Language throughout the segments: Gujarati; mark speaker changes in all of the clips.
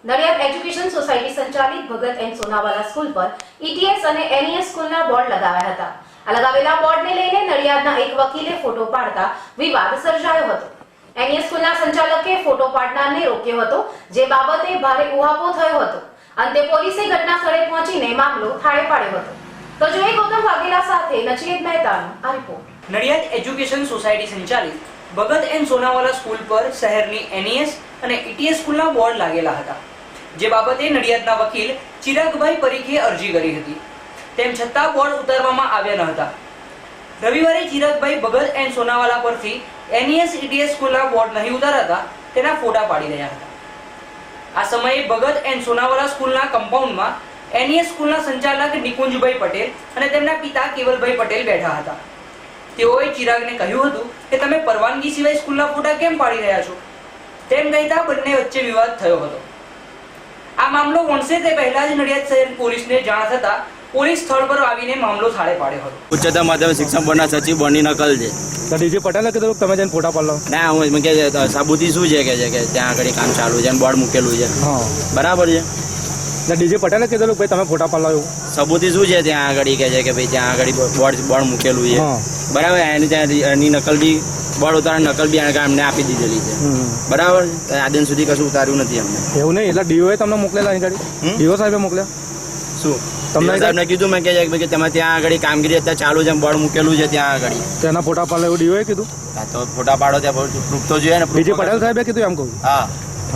Speaker 1: નડિયાદ એજ્યુકેશન સોસાયટી સંચાલિત ભગત એન્ડ સોનાવાલા સ્કૂલ પર ઈટીએસ અને એનઈએસ સ્કૂલના બોર્ડ લગાવ્યા હતા. આ લગાવેલા બોર્ડને લઈને નડિયાદના એક વકીલે ફોટો પાડતા વિવાદ સર્જાયો હતો. એનઈએસ સ્કૂલના સંચાલકે ફોટો પાડનારને રોક્યો હતો, જે બાબતે ભારે ઉહાપો થયો હતો. અંતે પોલીસે ઘટના સ્થળે પહોંચીને મામલો થાળે પાડ્યો હતો. તો જોઈએ ગૌતમ વાઘેલા સાથે નચિકેત મહેતાનો આ રિપોર્ટ.
Speaker 2: નડિયાદ એજ્યુકેશન સોસાયટી સંચાલિત ભગત એન્ડ સોનાવાલા સ્કૂલ પર શહેરની એનઈએસ અને ઈટીએસ સ્કૂલના બોર્ડ લાગેલા હતા, જે બાબતે નડિયાદના વકીલ ચિરાગભાઈ પરીખે અરજી કરી હતી. તેમ છતાં બોર્ડ ઉતારવામાં આવ્યા ન હતા. રવિવારે ચિરાગભાઈ ભગત એન્ડ સોનાવાલા પરથી એનઈએસ ઈટીએસ સ્કૂલના બોર્ડ નહીં ઉતારાતા તેના ફોટા પાડી રહ્યા હતા. આ સમયે ભગત એન્ડ સોનાવાલા સ્કૂલના કમ્પાઉન્ડમાં એનઈએસ સ્કૂલના સંચાલક નિકુંજભાઈ પટેલ અને તેમના પિતા કેવલભાઈ પટેલ બેઠા હતા. તેઓએ ચિરાગને કહ્યું હતું કે તમે પરવાનગી સિવાય સ્કૂલના ફોટા કેમ પાડી રહ્યા છો, તેમ કહેતા બંને વચ્ચે વિવાદ થયો હતો. આ મામલો વણસે તે પહેલા જ નડિયાદ શહેર પોલીસને જાણ થતા પોલીસ સ્થળ પર આવીને મામલો થાળે પાડ્યો હતો.
Speaker 3: ઉચ્ચતર માધ્યમિક શિક્ષણ બોર્ડના સચિવ બોર્ડની નકલ છે.
Speaker 4: તો ડીજી પટેલે કીધું તમે જઈને ફોટા પાડ લો.
Speaker 3: ના, હું કે સાબુતી શું છે કે ત્યાં આગળ કામ ચાલુ છે અને બોર્ડ મૂકેલું છે.
Speaker 4: હા,
Speaker 3: બરાબર છે.
Speaker 4: ડીજી પટેલે કીધું ભાઈ તમે ફોટા પાડ લો એવું.
Speaker 3: સાબુતી શું છે ત્યાં આગળ કે છે કે ભાઈ ત્યાં આગળ બોર્ડ મૂકેલું છે. બરાબર. એની ત્યાં એની નકલ બી બોર્ડ ઉતારવાની નકલ બી અમને આપી દીધેલી છે. બરાબર. આ દિન સુધી કશું ઉતાર્યું નથી અમને.
Speaker 4: એવું નહીં, એટલે ડીઓએ તમને મોકલેલા અહીં ગાડી? ડીઓ સાહેબે મોકલ્યા શું
Speaker 3: તમને? સાહેબને કીધું મેં કે તમે ત્યાં આગળ કામગીરી અત્યારે ચાલુ છે, બોર્ડ મૂકેલું છે ત્યાં આગળ.
Speaker 4: તેના ફોટા પાડો એવું ડીઓએ કીધું?
Speaker 3: હા, તો ફોટા પાડો ત્યાં પ્રૂફ તો જોઈએ ને.
Speaker 4: ડીજી પટેલ સાહેબે કીધું એમ કહું?
Speaker 3: હા.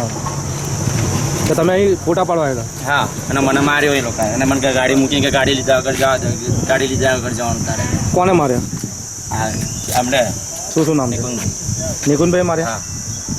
Speaker 4: તો તમે અહીં ફોટા પાડવા આવ્યા?
Speaker 3: હા, અને મને માર્યો એ લોકો. અને મને ગાડી મૂકી કે ગાડી લીધા આગળ જવા ગાડી લીધા આગળ જવાનું તારે. કોને માર્યા? હા, આપણે
Speaker 4: શું નામ? નિકુંજભાઈ માર્યા?
Speaker 3: હા.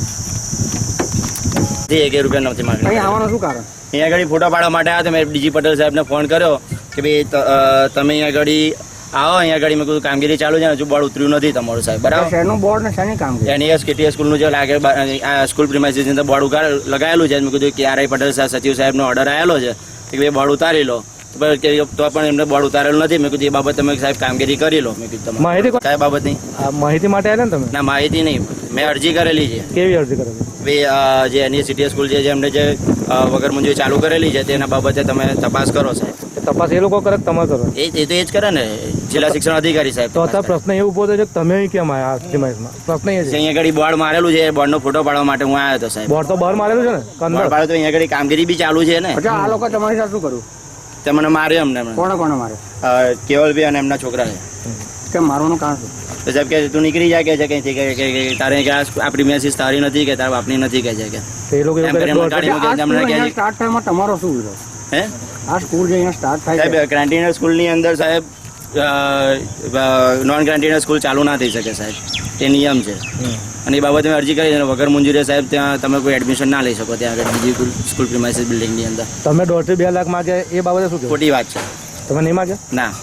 Speaker 3: 1 રૂપિયા નથી માગ્યા.
Speaker 4: અહીં આવવાનું શું કારણ?
Speaker 3: અહીંયા આગળ ફોટો પાડવા માટે આવ્યા. મેં ડીજી પટેલ સાહેબને ફોન કર્યો કે ભાઈ તમે અહીંયા આગળ આવો. અહીંયા આગળ મેં કીધું કામગીરી ચાલુ છે, હજુ બોર્ડ ઉતર્યું નથી તમારું સાહેબ. બરાબર.
Speaker 4: શહેરનું બોર્ડ ને શાની કામગીરી?
Speaker 3: એનઈએસ કેટીએસ સ્કૂલનું જે લાગે સ્કૂલ પ્રિમાઇસીસની અંદર બોર્ડ લગાવેલું છે. મેં કીધું કે આર આઈ પટેલ સચિવ સાહેબનો ઓર્ડર આવેલો છે કે ભાઈ બોર્ડ ઉતારી લો. તો પણ એમને બોર્ડ ઉતારેલું નથી. મેં કીધું એ બાબત તમે સાહેબ કામગીરી કરી લો. મેં કીધું માહિતી કઈ બાબતની?
Speaker 4: માહિતી માટે આવ્યા ને તમે?
Speaker 3: ના, માહિતી નહીં. મેં અરજી કરેલી છે.
Speaker 4: કેવી અરજી કરેલી?
Speaker 3: ભાઈ જે એનઈએસ ઈટીએસ સ્કૂલ છે, એમને જે વગર મંજૂરી ચાલુ કરેલી છે તેના બાબતે તમે તપાસ કરો સાહેબ.
Speaker 4: તપાસ એ લોકો કરે કે તમે કરો?
Speaker 3: એ તો એ જ કરે ને, જિલ્લા શિક્ષણ અધિકારી સાહેબ.
Speaker 4: તો અત્યારે પ્રશ્ન એ ઉભો થયો છે કે તમે કેમ આવ્યા? પ્રશ્ન એ છે
Speaker 3: અહીંયા આગળ બોર્ડ મારેલું છે, બોર્ડનો ફોટો પાડવા માટે હું આવ્યો હતો સાહેબ.
Speaker 4: બોર્ડ તો બહાર મારેલું છે ને?
Speaker 3: બોર્ડ પાડો તો અહીંયા આગળ કામગીરી બી ચાલુ છે ને.
Speaker 4: આ લોકો તમારી સાથે શું કર્યું?
Speaker 3: તે મને માર્યો અમને.
Speaker 4: કોને મારે?
Speaker 3: કેવલભાઈ અને એમના છોકરા છે.
Speaker 4: કેમ મારવાનું કારણ શું?
Speaker 3: તો સાહેબ કે તું નીકળી જાય કે છે કે તારે કે આપણી મેસેજ તારી નથી કે તારા બાપની નથી કે છે કે
Speaker 4: એ લોકો સ્ટાર્ટ ટાઈમમાં તમારો શું વિરોધ?
Speaker 3: હે,
Speaker 4: આ સ્કૂલ જે અહીંયા સ્ટાર્ટ થાય
Speaker 3: સાહેબ ગ્રાન્ટીનર સ્કૂલની અંદર સાહેબ નોન ગ્રાન્ટીનર સ્કૂલ ચાલુ ના થઈ શકે સાહેબ. એ નિયમ છે. અને એ બાબતે મેં અરજી કરી વગર મંજૂરી સાહેબ ત્યાં તમે કોઈ એડમિશન ના લઈ શકો ત્યાં આગળ બીજી સ્કૂલ પ્રિમાઇસીસ બિલ્ડિંગની અંદર. તમે 1.5 થી 2 લાખ માગ્યા એ બાબતે શું? ખોટી વાત છે.
Speaker 4: તમે નહીં માગ્યા?
Speaker 3: ના.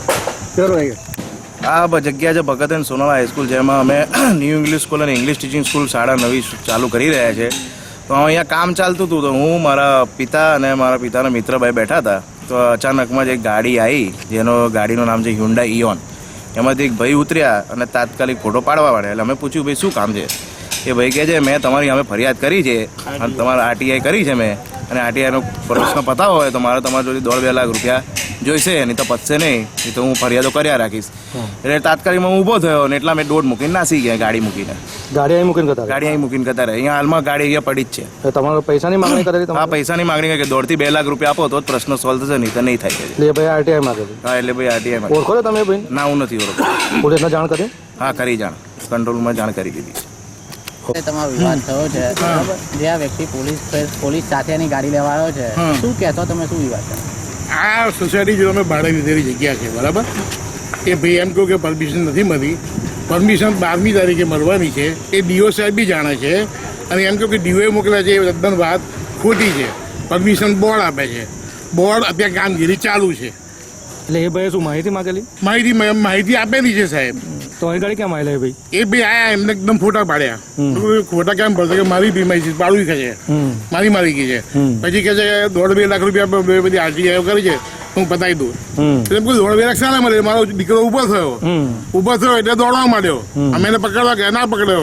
Speaker 5: આ જગ્યા છે ભગત એન્ડ સોનાવાલા હાઈસ્કૂલ, જેમાં અમે ન્યૂ ઇંગ્લિશ સ્કૂલ અને ઇંગ્લિશ ટીચિંગ સ્કૂલ શાળા નવી ચાલુ કરી રહ્યા છે. તો અહીંયા કામ ચાલતું હતું, તો હું મારા પિતા અને મારા પિતાના મિત્રભાઈ બેઠા હતા. તો અચાનકમાં જ એક ગાડી આવી, જેનો ગાડીનું નામ છે હ્યુન્ડાઈ ઇઓન. એમાંથી એક ભાઈ ઉતર્યા અને તાત્કાલિક ફોટો પાડવા માંડ્યા. એટલે અમે પૂછ્યું ભાઈ શું કામ છે? એ ભાઈ કહે છે મેં તમારી અમે ફરિયાદ કરી છે અને તમારા આરટીઆઈ કરી છે મેં, અને આરટીઆઈનો પ્રશ્ન પતાવો હોય તો મારે તમારા જોડે 1.5-2 લાખ રૂપિયા જોઈશે, નહીં તો પતશે નહીં, તો હું ફરિયાદો કર્યા રાખીશ. એટલે તાત્કાલિકમાં હું ઊભો થયો ને એટલા મેં દોડ મૂકીને નાસી ગયા. ગાડી મૂકીને ગાડી અહીં મૂકીને કતારે. અહીંયા હાલમાં ગાડી અહીંયા પડી જ છે.
Speaker 4: તમારે પૈસાની માંગણી કરેલી?
Speaker 5: હા, પૈસાની માંગણી કે 1.5-2 લાખ રૂપિયા આપો તો જ પ્રશ્ન સોલ્વ થશે, નહીં તો નહીં થાય.
Speaker 4: એટલે ભાઈ આરટીઆઈ માંગેલી?
Speaker 5: હા, એટલે ભાઈ આરટીઆઈ
Speaker 4: ઓળખો છો તમે ભાઈ?
Speaker 5: ના, હું નથી ઓળખતો.
Speaker 4: પોલીસને જાણ કરી?
Speaker 5: હા, કરી જાણ, કંટ્રોલમાં જાણ કરી દીધી.
Speaker 6: તમારો વિવાદ થયો છે, બરાબર? જે આ વ્યક્તિ પોલીસ સાથેની ગાડી લેવા આવ્યો છે, શું કહેતો તમે? શું વિવાદ છે?
Speaker 7: આ સોસાયટી જો અમે ભાડે લીધેલી જગ્યા છે, બરાબર? એ ભાઈ એમ કહું કે પરમિશન નથી મળી. પરમિશન 12મી તારીખે મળવાની છે. એ ડીઓ સાહેબ બી જાણે છે. અને એમ કહું કે ડીઓએ મોકલ્યા છે એ તદ્દન વાત ખોટી છે. પરમિશન બોર્ડ આપે છે. બોર્ડ અત્યારે કામગીરી ચાલુ છે.
Speaker 4: એટલે એ ભાઈ શું માહિતી માંગેલી?
Speaker 7: માહિતી આપેલી છે સાહેબ.
Speaker 4: તો અહીં ગાડી કેમ આવેલા ભાઈ?
Speaker 7: એ ભાઈ આયા, એમને એકદમ ફોટા પાડ્યા. ખોટા કેમ પડશે કે મારી પ્રિમાઇસીસ પાડવી કે છે, મારી ગઈ છે. પછી કે છે 1.5-2 લાખ રૂપિયા બધી આરટીઆઈ કરી છે, હું પતાવી દઉં. એટલે 1.5-2 લાખ શાના મળે? મારો દીકરો ઉભો થયો એટલે દોડવા માંડ્યો. અમે એને પકડવા ગયા, ના પકડ્યો.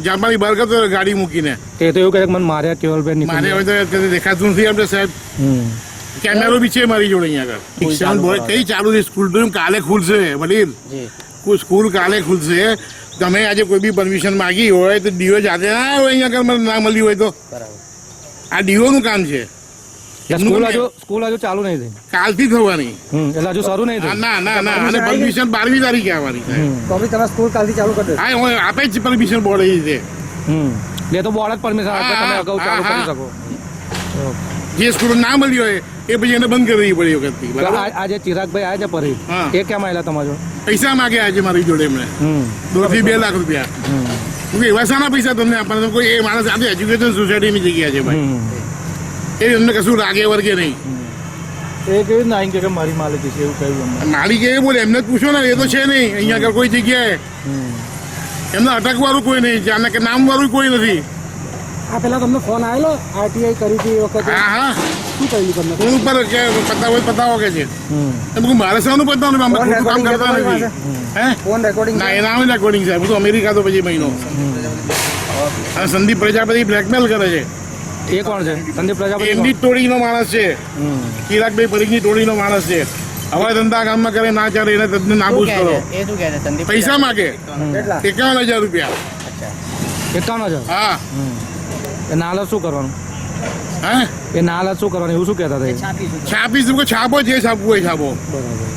Speaker 7: જાપાની બહાર કરતો હતો ગાડી મૂકીને.
Speaker 4: તે તો એવું કહે કે મને માર્યા કેવલભાઈ
Speaker 7: મારે
Speaker 4: નીકળી
Speaker 7: હવે તો કદી દેખાતું નથી આપણે સાહેબ. કેમેરો બી છે મારી જોડે અહીંયા આગળ. શિક્ષણ બોર્ડ કઈ ચાલુ છે? સ્કૂલ તો કાલે ખુલશે વડીલ.
Speaker 6: જી
Speaker 7: સ્કૂલ કાલે ખુલશે. તમે આજે કોઈ બી પરમિશન માગી હોય તો ડીઓ જાતે ના હોય અહીંયા આગળ મને ના મળ્યું હોય તો.
Speaker 6: બરાબર.
Speaker 7: આ ડીઓ નું કામ છે.
Speaker 4: સ્કૂલ હજુ ચાલુ નહીં થઈ.
Speaker 7: કાલથી થવાની.
Speaker 4: એટલે હજુ શરૂ નહીં થઈ.
Speaker 7: ના અને પરમિશન 12મી તારીખે આવવાની છે.
Speaker 4: તો બી તમે સ્કૂલ કાલથી ચાલુ કરી
Speaker 7: હા હું આપે જ પરમિશન બોર્ડ એ રીતે.
Speaker 4: દે તો બોર્ડ જ પરમિશન આપે તમે અગાઉ ચાલુ કરી શકો.
Speaker 7: જે સ્કૂલ ના મળી હોય એ પછી એને બંધ કરી દેવી પડે એ વખતથી. બરાબર.
Speaker 4: આજે ચિરાગભાઈ આવ્યા છે પરી
Speaker 7: હા.
Speaker 4: એ કેમ આવેલા તમારા જોડે?
Speaker 7: પૈસા માગે આજે મારી જોડે એમણે 2 થી 2 લાખ રૂપિયા. એવા શાના પૈસા તમને આપવાના? કોઈ એ માણસ આજે એજ્યુકેશન સોસાયટીની જગ્યા છે ભાઈ. એ એમને કશું લાગે વર્ગે નહીં.
Speaker 4: એ કેવું ના કે મારી માલિકી છે એવું કહ્યું.
Speaker 7: મારી કે બોલે એમને જ પૂછો ને. એ તો છે નહીં અહીંયા આગળ કોઈ જગ્યાએ. એમને અટકવાળું કોઈ નહીં. જાણે કે નામ વાળું કોઈ નથી.
Speaker 4: આ પેલા તમને ફોન આવેલો આરટીઆઈ કરી હતી એ વખતે
Speaker 7: હા
Speaker 4: શું કહ્યું તમને?
Speaker 7: ફોન ઉપર કે પતાવો કે છે. એમ કહું મારે શાનું પતાવવાનું? અમે ખોટું કામ કરતા નથી. હે
Speaker 4: ફોન રેકોર્ડિંગ
Speaker 7: ના એના આવે રેકોર્ડિંગ સાહેબ. હું તો અમેરિકા તો પછી મહિનો. અને સંદીપ પ્રજાપતિ બ્લેકમેલ કરે છે.
Speaker 4: એ કોણ છે? સંદીપ પ્રજાપતિ
Speaker 7: એમની જ ટોળીનો માણસ છે. ચિરાગભાઈ પરીખની ટોળીનો માણસ છે. હવે ધંધા કામમાં કરે ના ચાલે એને તદ્દન
Speaker 6: શું
Speaker 7: નાબૂદ
Speaker 6: કહે
Speaker 7: કરો.
Speaker 6: છે? એ શું કહે છે સંદીપ?
Speaker 7: પૈસા માગે
Speaker 4: કેટલા?
Speaker 7: 51,000 રૂપિયા.
Speaker 4: 51,000.
Speaker 7: હા
Speaker 4: એ નાલા શું કરવાનું?
Speaker 7: હા
Speaker 4: એ નાલા શું કરવાનું એવું શું કહેતા હતા એ?
Speaker 7: છાપીશ છાપો જે છાપવું હોય છાપો.
Speaker 4: બરાબર.